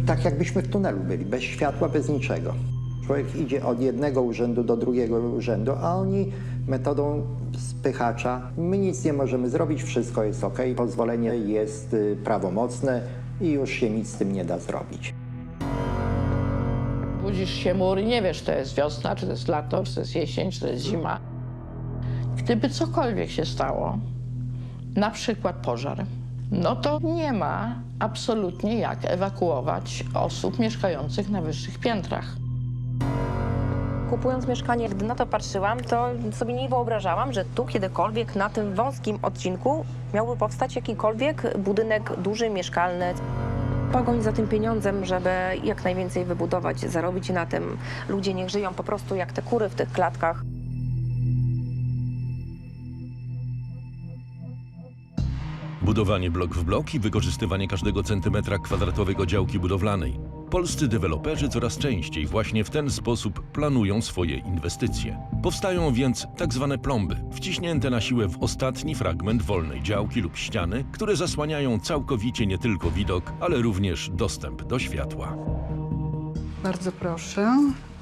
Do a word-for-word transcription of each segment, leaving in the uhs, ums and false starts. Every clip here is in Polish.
Tak jakbyśmy w tunelu byli, bez światła, bez niczego. Człowiek idzie od jednego urzędu do drugiego urzędu, a oni metodą spychacza. My nic nie możemy zrobić, wszystko jest ok, pozwolenie jest prawomocne i już się nic z tym nie da zrobić. Budzisz się mur i nie wiesz, czy to jest wiosna, czy to jest lato, czy to jest jesień, czy to jest zima. Gdyby cokolwiek się stało, na przykład pożar, no to nie ma absolutnie jak ewakuować osób mieszkających na wyższych piętrach. Kupując mieszkanie, gdy na to patrzyłam, to sobie nie wyobrażałam, że tu kiedykolwiek na tym wąskim odcinku miałby powstać jakikolwiek budynek duży, mieszkalny. Pogoń za tym pieniądzem, żeby jak najwięcej wybudować, zarobić na tym. Ludzie niech żyją po prostu jak te kury w tych klatkach. Budowanie blok w blok i wykorzystywanie każdego centymetra kwadratowego działki budowlanej. Polscy deweloperzy coraz częściej właśnie w ten sposób planują swoje inwestycje. Powstają więc tak zwane plomby, wciśnięte na siłę w ostatni fragment wolnej działki lub ściany, które zasłaniają całkowicie nie tylko widok, ale również dostęp do światła. Bardzo proszę.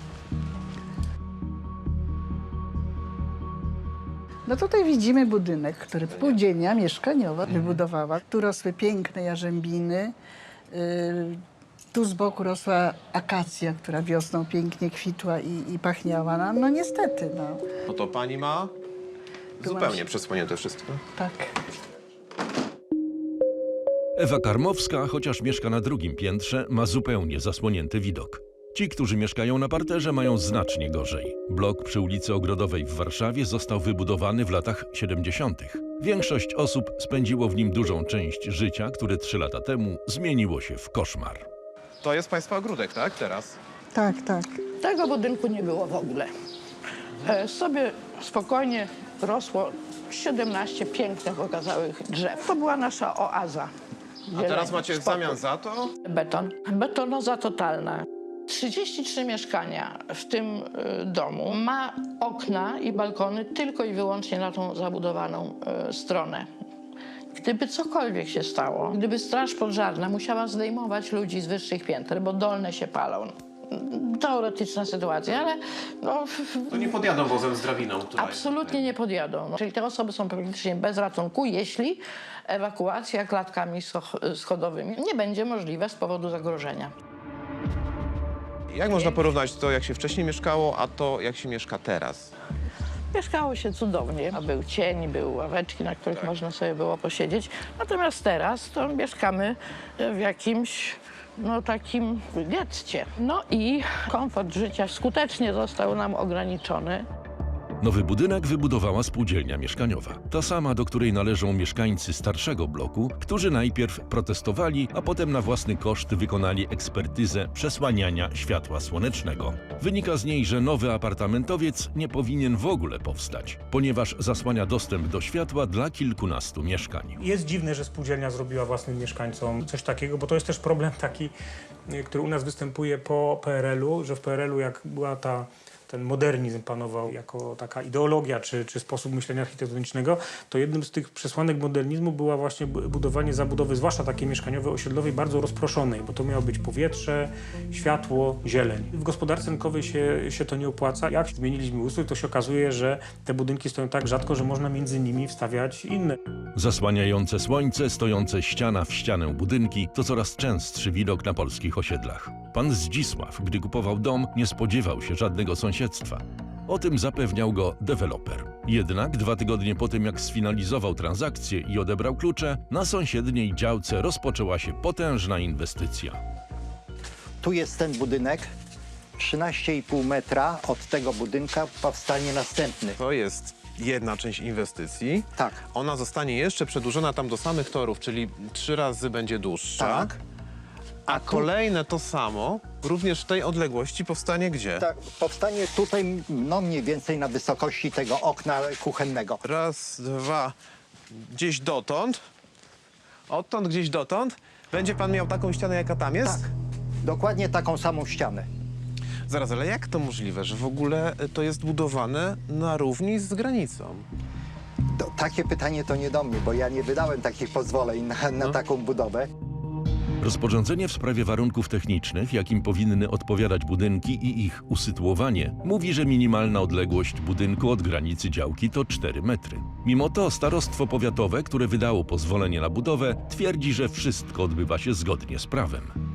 No tutaj widzimy budynek, który spółdzielnia mieszkaniowa wybudowała. Tu rosły piękne jarzębiny. Yy, tu z boku rosła akacja, która wiosną pięknie kwitła i, i pachniała. No, no niestety, no. No to pani ma Tu zupełnie masz- przesłonięte wszystko. Tak. Ewa Karmowska, chociaż mieszka na drugim piętrze, ma zupełnie zasłonięty widok. Ci, którzy mieszkają na parterze, mają znacznie gorzej. Blok przy ulicy Ogrodowej w Warszawie został wybudowany w latach siedemdziesiątych. Większość osób spędziło w nim dużą część życia, które trzy lata temu zmieniło się w koszmar. To jest państwa ogródek, tak? Teraz? Tak, tak. Tego budynku nie było w ogóle. E, sobie spokojnie rosło siedemnaście pięknych, okazałych drzew. To była nasza oaza. A teraz Zieleni, macie w spokój. zamian za to? Beton. Betonoza totalna. trzydzieści trzy mieszkania w tym y, domu ma okna i balkony tylko i wyłącznie na tą zabudowaną y, stronę. Gdyby cokolwiek się stało, gdyby straż pożarna musiała zdejmować ludzi z wyższych pięter, bo dolne się palą, teoretyczna sytuacja, ale no, To nie podjadą wozem z drabiną, która absolutnie nie podjadą. No, czyli te osoby są praktycznie bez ratunku, jeśli ewakuacja klatkami scho- schodowymi nie będzie możliwa z powodu zagrożenia. Jak można porównać to, jak się wcześniej mieszkało, a to, jak się mieszka teraz? Mieszkało się cudownie. A był cień, były ławeczki, na których Tak. można sobie było posiedzieć. Natomiast teraz to mieszkamy w jakimś no, takim getcie. No i komfort życia skutecznie został nam ograniczony. Nowy budynek wybudowała spółdzielnia mieszkaniowa. Ta sama, do której należą mieszkańcy starszego bloku, którzy najpierw protestowali, a potem na własny koszt wykonali ekspertyzę przesłaniania światła słonecznego. Wynika z niej, że nowy apartamentowiec nie powinien w ogóle powstać, ponieważ zasłania dostęp do światła dla kilkunastu mieszkań. Jest dziwne, że spółdzielnia zrobiła własnym mieszkańcom coś takiego, bo to jest też problem taki, y, który u nas występuje po P R L-u, że w P R L-u jak była ta ten modernizm panował jako taka ideologia czy, czy sposób myślenia architektonicznego, to jednym z tych przesłanek modernizmu była właśnie bu- budowanie zabudowy, zwłaszcza takiej mieszkaniowej, osiedlowej, bardzo rozproszonej, bo to miało być powietrze, światło, zieleń. W gospodarce rynkowej się, się to nie opłaca. Jak zmieniliśmy ustrój, to się okazuje, że te budynki stoją tak rzadko, że można między nimi wstawiać inne. Zasłaniające słońce, stojące ściana w ścianę budynki to coraz częstszy widok na polskich osiedlach. Pan Zdzisław, gdy kupował dom, nie spodziewał się żadnego sąsiedztwa. O tym zapewniał go deweloper. Jednak dwa tygodnie po tym, jak sfinalizował transakcję i odebrał klucze, na sąsiedniej działce rozpoczęła się potężna inwestycja. Tu jest ten budynek, trzynaście i pół metra od tego budynka powstanie następny. To jest jedna część inwestycji. Tak. Ona zostanie jeszcze przedłużona tam do samych torów, czyli trzy razy będzie dłuższa. Tak. A kolejne to samo, również w tej odległości, powstanie gdzie? Tak, powstanie tutaj no mniej więcej na wysokości tego okna kuchennego. Raz, dwa, gdzieś dotąd. Odtąd gdzieś dotąd. Będzie pan miał taką ścianę, jaka tam jest? Tak, dokładnie taką samą ścianę. Zaraz, ale jak to możliwe, że w ogóle to jest budowane na równi z granicą? To, takie pytanie to nie do mnie, bo ja nie wydałem takich pozwoleń na, na taką budowę. Rozporządzenie w sprawie warunków technicznych, jakim powinny odpowiadać budynki i ich usytuowanie, mówi, że minimalna odległość budynku od granicy działki to cztery metry. Mimo to starostwo powiatowe, które wydało pozwolenie na budowę, twierdzi, że wszystko odbywa się zgodnie z prawem.